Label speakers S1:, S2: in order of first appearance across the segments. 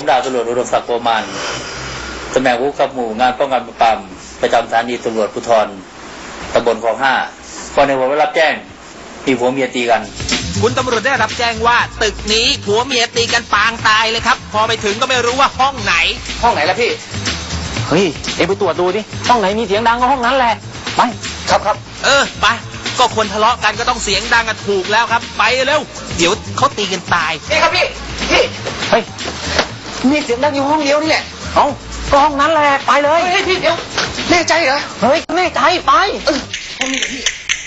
S1: ผมดาบตำรวจอุดมศักดิ์โกมานตำแหน่งผู้กำกับหมู่งานป้องกันปราบปรามประจำสถานีตำรวจภูธรตำบลคลอง 5 ก่อนในผมได้รับแจ้งมีผัวเมียตีกัน
S2: คุณตำรวจได้รับแจ้งว่าตึกนี้ผัวเมียตีกันปางตายเลยครับพอไปถึงก็ไม่รู้ว่าห้องไหนล่ะพี่
S3: เฮ้ยเอ็งไปตรวจดูดิห้องไหนมีเสียงดังก็ห้องนั้นแหละไปครับ
S2: ไปก็คนทะเลาะกันก็ต้องเสียงดังกันถูกแล้วครับไปเร็วเดี๋ยวเขาตีกันตาย
S3: นี่ครับพี่เฮ้ยมีเสียงดังอยู่ห้องเดียวนี่แหละเอ้าก็ห้องนั้นแหละไปเลยเฮ้ยพี่เดี๋ยวแน่ใจเหรอเฮ้ยแน่ใจไปห้องนี้พี่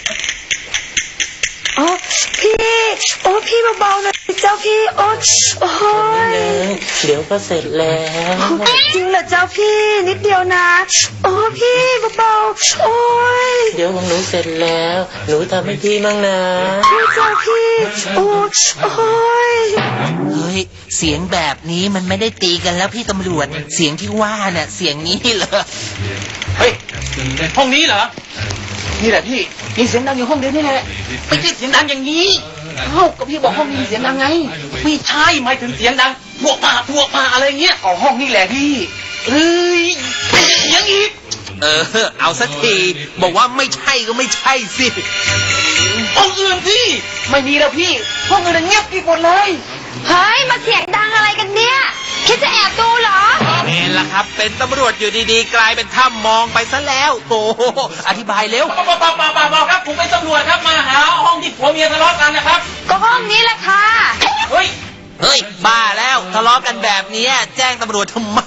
S4: อ๋อพี่เบาๆหน่อยเจ้าพี่โอ้ย
S1: เดี๋ยวก็เสร็จแล้ว
S4: จริงเหรอเจ้าพี่นิดเดียวนะโอ้พี่เบาๆโอ้ย
S1: เดี๋ยวของหนูเสร็จแล้วหนูทำให้พี่มั่งนะ
S4: เจ้าพี่โอ้ย
S2: เฮ้ยเสียงแบบนี้มันไม่ได้ตีกันแล้วพี่ตำรวจเสียงที่ว่าเนี่ยเสียงนี้เหรอ
S3: เฮ้ยห้องนี้เหรอนี่แหละพี่มีเสียงดังอยู่ห้องเดียวนี่แหละไม่ใช่เสียงดังอย่างนี้ก็พี่บอกห้องนี้มีเสียงดังไงไม่ใช่หมายถึงเสียงดังพวกมาอะไรเงี้ยอ๋อห้องนี้แหละพี่เฮ้ยอย่างอีก
S2: เอาสักทีบอกว่าไม่ใช่ก็ไม่ใช่สิ
S3: ห้องอื่นพี่ไม่มีแล้วพี่ห้องอื่นเงียบปิดหมดเลย
S4: เฮ้ยมาเสียงดังอะไรกันเนี่ยคิดจะแอบดูเหรอ
S2: เห็นละครับเป็นตำรวจอยู่ดีๆกลายเป็นถ้ำมองไปซะแล้วโอ้อธิบายเร็ว
S3: เปล่าครับผมเป็นตำรวจครับมาหาห้องที่ผัวเมียทะเลาะกันนะครับ
S4: ก็ห้องนี้แหละค่ะ
S3: เฮ้ย
S2: บ้าแล้วทะเลาะกันแบบนี้แจ้งตำรวจทำไม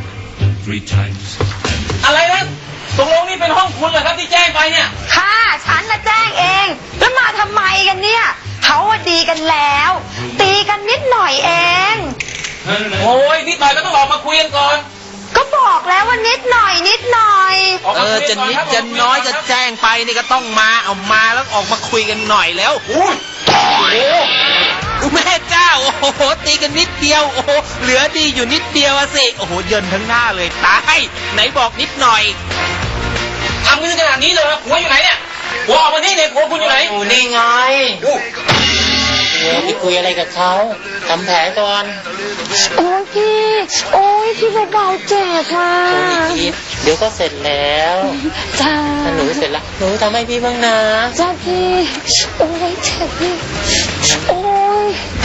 S3: อะไรนะตกลงนี่เป็นห้องคุณเหรอครับที่แจ้งไปเนี่ย
S4: ค่ะฉันน่ะแจ้งเองแล้วมาทำไมกันเนี่ยเขาดีกันแล้วตีกันนิดหน่อยเอง
S3: โอ้ยนิดหน่อยก็ต้องออกมาคุยกันก่อน
S4: ก็บอกแล้วว่านิดหน่อย
S2: จะนิดจะน้อยจะแจ้งไปนี่ก็ต้องมาเอามาแล้วออกมาคุยกันหน่อยแล้วโอ้แม่เจ้าโอ้โหตีกันนิดเดียวโอ้โหเหลือดีอยู่นิดเดียวสิโอ้โหเยินทั้งหน้าเลยตายไหนบอกนิดหน่อย
S3: ทำกันขนาดนี้เลยหัวอยู่ไหนเนี่ยหัวออกมานี่เนี่ยหัวคุณอยู่ไหน
S1: อยู่นี่ไงพี่คุยอะไรกับเขาทำแผลก่อน
S4: โอ้ยพี่เบาๆเจ็บว่ะ
S1: เดี๋ยวก็เสร็จแล้ว
S4: จ้า
S1: ถ้าหนูเสร็จแล้วหนูทำให้พี่บ้างนะ
S4: จ้าพี่โอ้ยเจ็บพี่โอ้ย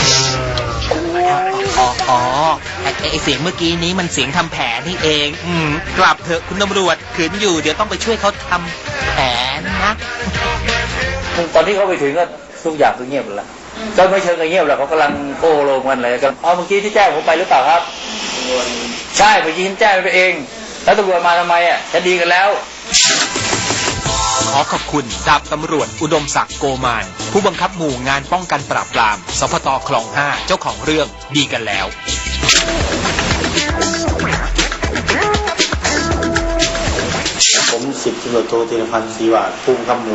S2: ไอเสียงเมื่อกี้นี้มันเสียงทำแผลนี่เองกลับเถอะคุณตำรวจขืนอยู่เดี๋ยวต้องไปช่วยเขาทำแผลนะ
S1: ตอนที่เขาไปถึงก็ทุกอย่างก็เงียบแล้วก็ไม่เชิงเงียบหรอกเขากำลังโก้ลงกันอะไรกันเมื่อกี้ที่แจ้งผมไปหรือเปล่าครับใช่เมื่อกี้ฉันแจ้งไปเองแล้วตำรวจมาทำไมจะดีกันแล้ว
S2: ขอขอบคุณดาบตำรวจอุดมศักดิ์โกมานผู้บังคับหมู่งานป้องกันปราบปรามสพต.คลอง 5เจ้าของเรื่องดีกันแล้ว
S5: ผม10 ตำรวจโทธีรพันธ์ศรีวาดผู้บังคับหมู่